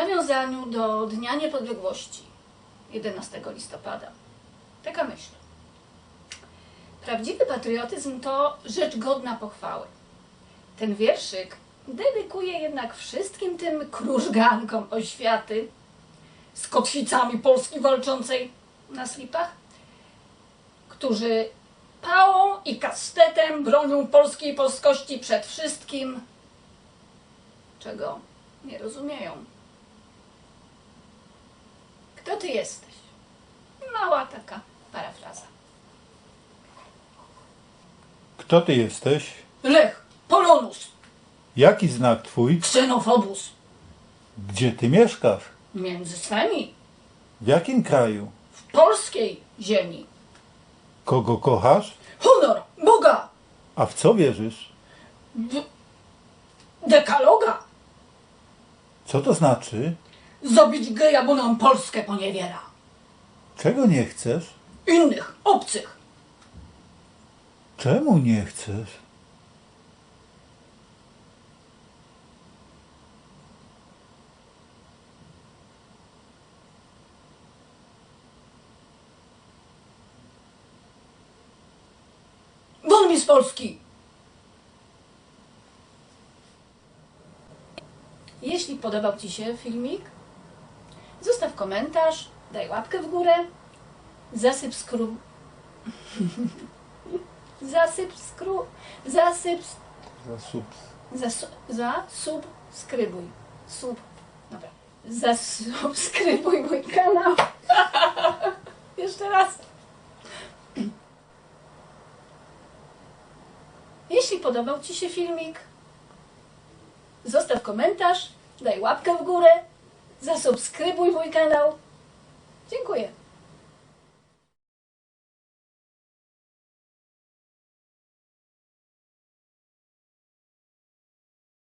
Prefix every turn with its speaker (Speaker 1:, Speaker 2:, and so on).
Speaker 1: nawiązaniu do Dnia Niepodległości 11 listopada. Taka myśl. Prawdziwy patriotyzm to rzecz godna pochwały. Ten wierszyk dedykuję jednak wszystkim tym krużgankom oświaty z kotwicami Polski walczącej na slipach, którzy pałą i kastetem bronią polskiej polskości przed wszystkim, czego nie rozumieją. Kto ty jesteś? Mała taka parafraza.
Speaker 2: Kto ty jesteś?
Speaker 1: Lech Polonus,
Speaker 2: Jaki znak twój?
Speaker 1: ksenofobus,
Speaker 2: Gdzie ty mieszkasz?
Speaker 1: między swemi,
Speaker 2: W jakim kraju?
Speaker 1: w polskiej ziemi.
Speaker 2: Kogo kochasz?
Speaker 1: Honor, Boga,
Speaker 2: A w co wierzysz?
Speaker 1: dekaloga,
Speaker 2: Co to znaczy?
Speaker 1: zabić geja, bo nam Polskę poniewiera.
Speaker 2: Czego nie chcesz?
Speaker 1: Innych, obcych.
Speaker 2: Czemu nie chcesz?
Speaker 1: Won mi z Polski! Jeśli podobał ci się filmik, zostaw komentarz, daj łapkę w górę, zasubskrybuj. Dobra. Zasubskrybuj mój kanał. Jeszcze raz. Jeśli podobał ci się filmik, zostaw komentarz, daj łapkę w górę, zasubskrybuj mój kanał. Dziękuję.